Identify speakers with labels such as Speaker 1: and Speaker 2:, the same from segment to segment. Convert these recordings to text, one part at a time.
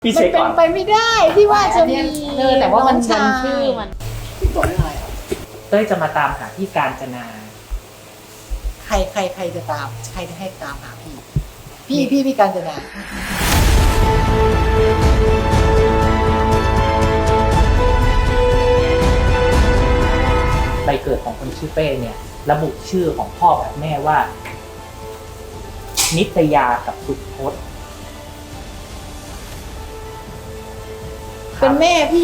Speaker 1: พี่
Speaker 2: มั
Speaker 1: เช็
Speaker 2: น
Speaker 1: ค
Speaker 2: เป็
Speaker 1: ก่อน
Speaker 2: นไปไม่ได้ที่ว่าจะมี
Speaker 3: แต่ว่ามัน
Speaker 2: น้องชาย
Speaker 3: ชื่อมัน
Speaker 2: พี่ตัวอะไรอ่ะ
Speaker 1: เต้ยจะมาตามหาพี่การจนา
Speaker 2: ใครจะตามใครจะให้ตามหาพี่การจนา
Speaker 1: ใบเกิดของคนชื่อเป้เนี่ย ระบุชื่อของพ่อกับแม่ว่า นิตยากับสุพจน์
Speaker 2: เป็นแม่พี่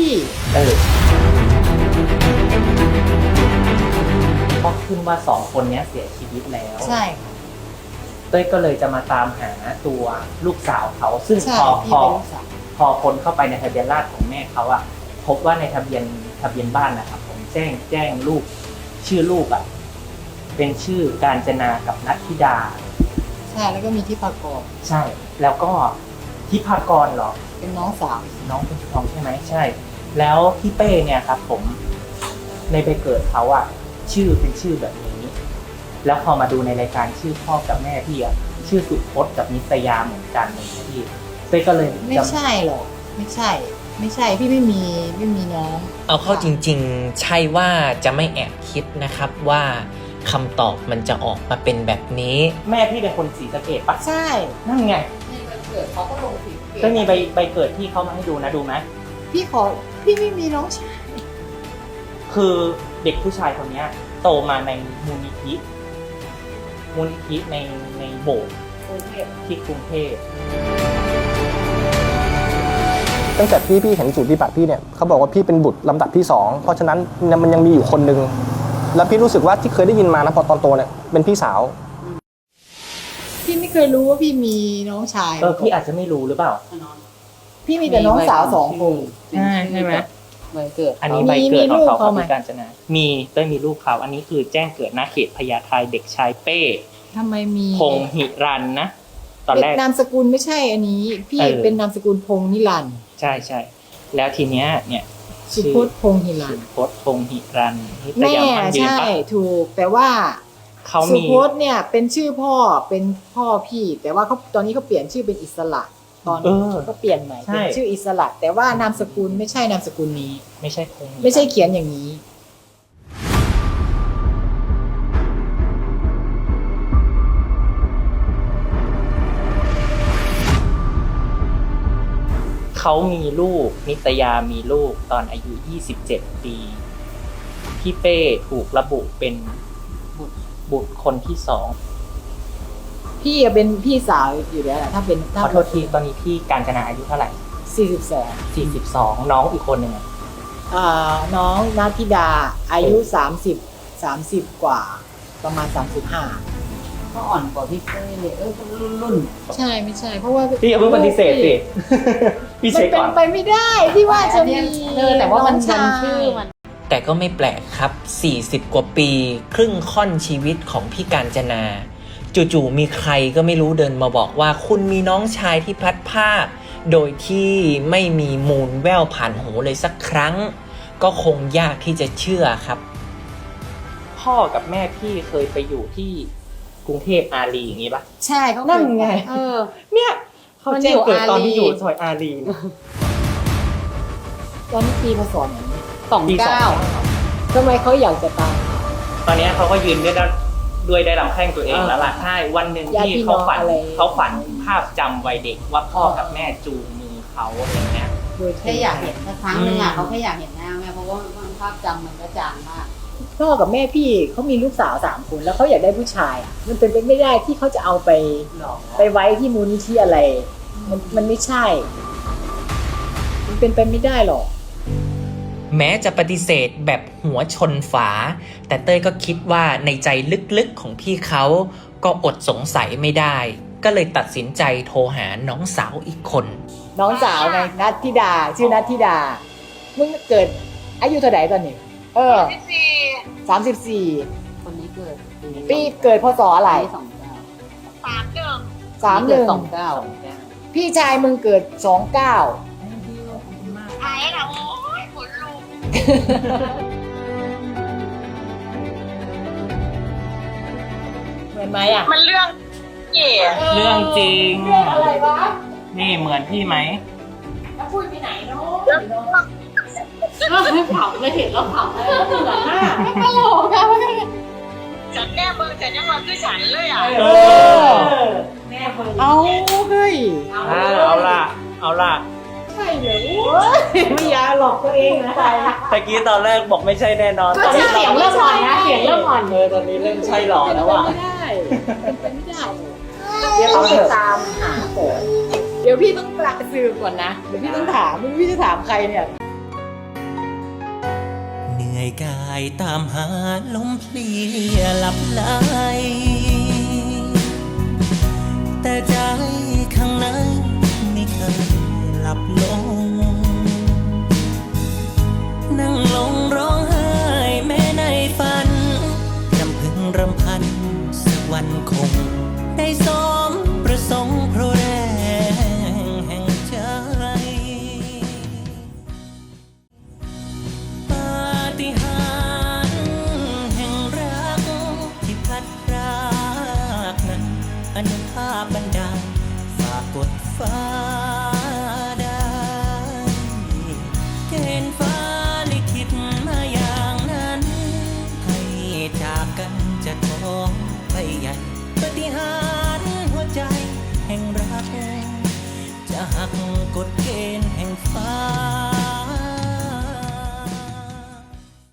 Speaker 1: ก็ขึ้นว่าสองคนนี้เสียชีวิตแล้ว
Speaker 2: ใช่
Speaker 1: เต้ยก็เลยจะมาตามหาตัวลูกสาวเขา ซึ่ง
Speaker 2: ใช่
Speaker 1: พอ
Speaker 2: พี่เป็นลูกสาว
Speaker 1: พอคนเข้าไปในทะเบียนราษฎร์ของแม่เขาอะพบว่าในทะเบียนบ้านนะครับผมแจ้งลูกชื่อลูกอะเป็นชื่อการจนากับนัทธิดา
Speaker 2: ใช่แล้วก็มีที่ปากร
Speaker 1: ใช่ แล้วก็ทิพากรเหรอ
Speaker 2: เป็นน้องสาว
Speaker 1: น้องเป็นน้องใช่ไหมใช่ แล้วพี่เป้เนี่ยครับผมในใบเกิดเขาอะชื่อเป็นชื่อแบบนี้ แล้วพอมาดูในรายการชื่อพ่อกับแม่พี่อะชื่อสุพจน์กับนิตยาเหมือนกันเลยพี่เป้ก็เลย
Speaker 2: ไม่ใช่หรอกไม่ใช่พี่ไม่มีน้อง
Speaker 3: เอาเข้าจริงๆ ใช่ว่าจะไม่แอบคิดนะครับว่าคำตอบมันจะออกมาเป็นแบบนี้
Speaker 1: แม่พี่เป็นคนศรีสะเกษปะ
Speaker 2: ใช่
Speaker 1: นั่นไง
Speaker 2: ในวันเกิดเขาก็ลงสี
Speaker 1: ก็มีใบเกิดที่เขามาให้ดูนะดูไหม
Speaker 2: พี่ไม่มีน้องชาย
Speaker 1: คือเด็กผู้ชายคนเนี้ยโตมาในมูลนิธิในโบสถ์ที่กรุงเทพ
Speaker 4: ตั้งแต่พี่เห็นสูตรปฏิบัติพี่เนี่ยเขาบอกว่าพี่เป็นบุตรลำดับที่2เพราะฉะนั้นมันยังมีอยู่คนหนึ่งแล้วพี่รู้สึกว่าที่เคยได้ยินมานะพอตอนโตเนี่ยเป็นพี่สาว
Speaker 2: พี่ไม่เคยรู้ว่าพี่มีน้องชาย
Speaker 1: พี่อาจจะไม่รู้หรือเปล่า
Speaker 2: พี่มีแต่น้องสาว2 คน
Speaker 1: ใช่ไหม
Speaker 3: ใบเกิด
Speaker 1: อันนี้ใบเกิดของเขา
Speaker 2: มีลูกเขาไหม
Speaker 1: คือการจนามีเต้ยมีลูกเขาอันนี้คือแจ้งเกิดณเขตพญาไทเด็กชายเป้
Speaker 2: ทำไมมี
Speaker 1: พงหิรันนะตอนแรก
Speaker 2: นามสกุลไม่ใช่อันนี้ พี่เป็นนามสกุลพงษ์นิรันดร์
Speaker 1: ใช่แล้วทีเนี้ยเนี่ย
Speaker 2: สุพจน์พงษ์หิรัน
Speaker 1: สุ
Speaker 2: ดร์
Speaker 1: พจน์พงหิรันนิต
Speaker 2: แม่
Speaker 1: ยามันยืน
Speaker 2: ใช่
Speaker 1: ปะ
Speaker 2: ถูกแต่ว่า
Speaker 1: เขา
Speaker 2: สุ
Speaker 1: มี
Speaker 2: พจน์เนี่ยเป็นชื่อพ่อเป็นพ่อพี่ แต่ว่าเขาตอนนี้เขาเปลี่ยนชื่อเป็นอิสระตอนเขาก็เปลี่ยนใหม่เป็นชื่ออิสระ แต่ว่านามสกุลไม่ใช่นามสกุลนี้
Speaker 1: ไม่ใช่พงหิรัน
Speaker 2: ไม่ใช่เขียนอย่างนี้
Speaker 1: เขามีลูกนิตยามีลูกตอนอายุ27 ปีพี่เป้ถูกระบุเป็นบุตรคนที่สอง
Speaker 2: พี่อะเป็นพี่สาวอยู่แล้วแหละถ้าเป็น
Speaker 1: ขอโทษทีตอนนี้พี่การจนาอายุเท่าไหร่
Speaker 2: 42
Speaker 1: 42น้องอีกคนหนึ่งอะ
Speaker 2: น้องนัทธิดาอายุ30 กว่าประมาณ 35
Speaker 3: ก็อ่อนกว่าพี่เป้เลยรุ่น
Speaker 2: ใช่ไม่ใช่เพราะว่า
Speaker 1: พี่อย่าเพิ่งปฏิเสธสิ พี่
Speaker 2: มัน
Speaker 1: เช็ค
Speaker 2: เป็
Speaker 1: ก่
Speaker 2: น
Speaker 1: อน
Speaker 2: ไปไม่ได้ที่ว่าจะมี
Speaker 3: แต่ว่ามัน
Speaker 2: องชาย
Speaker 3: ชื่อมันแต่ก็ไม่แปลกครับ 40 กว่าปี ครึ่งค่อนชีวิตของพี่การจนา จู่ๆมีใครก็ไม่รู้เดินมาบอกว่าคุณมีน้องชายที่พลัดพรากโดยที่ไม่มีมูลแว่วผ่านหูเลยสักครั้ง ก็คงยากที่จะเชื่อครับ
Speaker 1: พ่อกับแม่พี่เคยไปอยู่ที่กรุงเทพอารีอย่างนี้ปะ
Speaker 2: ใช่เขา
Speaker 1: นั่นไง เนี่ยเขา
Speaker 2: มัน
Speaker 1: แจ้งเกิดตอนที่
Speaker 2: อยู่
Speaker 1: อยู่
Speaker 2: อารี
Speaker 1: ซอยอารี
Speaker 2: ตอนนี้ปีพศอย่างนี้
Speaker 1: ปีสอง
Speaker 2: ทำไมเขาอยากจะตาย
Speaker 1: ตอนนี้เขาก็ยืนด้วยได้ลำแข้งตัวเองแล้วล่ะใช่วันหนึ่ง
Speaker 2: ญาติ
Speaker 1: ที่
Speaker 2: พี่
Speaker 1: เขา
Speaker 2: น้อง
Speaker 1: ฝัน
Speaker 2: อะไร
Speaker 1: เขาฝันภาพจำวัยเด็กว่าพ่อกับแม่จูงมือเขาอะไรเงี้ย
Speaker 2: โดย
Speaker 5: แค่อยากเห็นสักครั้งนึงอ่ะเขาแค่อยากเห็นหน้าแม่เพราะว่าภาพจำมันก็จางมาก
Speaker 2: พ่อกับแม่พี่เขามีลูกสาว3 คนแล้วเขาอยากได้ผู้ชายอ่ะมันเป็นไปไม่ได้ที่เขาจะเอาไปไว้ที่มูลนิธิอะไรมันไม่ใช่ มันเป็นไปไม่ได้หรอก
Speaker 3: แม้จะปฏิเสธแบบหัวชนฝา แต่เต้ยก็คิดว่าในใจลึกๆของพี่เขาก็อดสงสัยไม่ได้ ก็เลยตัดสินใจโทรหาน้องสาวอีกคน
Speaker 2: น้องสาวไงนัทธิดาชื่อนัทธิดามึงเกิดอายุเท่าไหร่ตอนนี้34
Speaker 5: คนนี้เกิด
Speaker 2: ปีเกิดพศอะไร
Speaker 5: 29
Speaker 2: 31พี่ชายมึงเกิด29เหมือนไหมอ่ะ
Speaker 6: มันเรื่องเก๋
Speaker 1: เรื่องจริง
Speaker 2: เรื่องอะไรวะ
Speaker 1: นี่เหมือนพี่ไหม
Speaker 2: ปุ้ยไปไหนเนาะ
Speaker 5: เผาเลยเห็นแล้วเผาเลยเหมือนมาก
Speaker 2: ตลกอะ
Speaker 6: ฉันแน่เบิ่งแต่ยังว่าคือฉันเลยอ่ะ
Speaker 5: แม่เบิ่ง
Speaker 2: เอาเฮ้ย
Speaker 1: เอาล่ะ
Speaker 2: ใช่เหรอไม่อยาหลอกตัวเองนะ
Speaker 1: ตะกี้ตอนแรกบอกไม่ใช่แน่นอน
Speaker 5: ก็เสียงเริ่มอ่อนนะเสียงเริ่มอ่อน
Speaker 1: ตอนนี้เริ่มใช่หล่อแล้วอ่ะ
Speaker 2: ไม่ได้เป็นไม่ได้เดี๋ยวต้องไปตามหาก่อนเดี๋ยวพี่ต้องสืบก่อนนะเดี๋ยวพี่ต้องถามไม่รู้พี่จะถามใครเนี่ย
Speaker 3: เหนื่อยกายตามหาลมเพลียหลับไหลแต่ใจข้างในไม่เคยหลับลง นั่งลงร้องไห้แม้ในฝันรำพึงรำพันสักวันคง ได้สมประสงค์เพราะแรงแห่งใจ ปาฏิหาริย์แห่งรักที่พัดพรากนั้นอนุภาพบันดาลฝากกดฟ้าได้เกณฑ์ฟ้าลิขิตมาอย่างนั้น ให้จากกันจะท้องไปใหญ่ปาฏิหาริย์หัวใจแห่งรัก จะหักกฎเกณฑ์แห่งฟ้า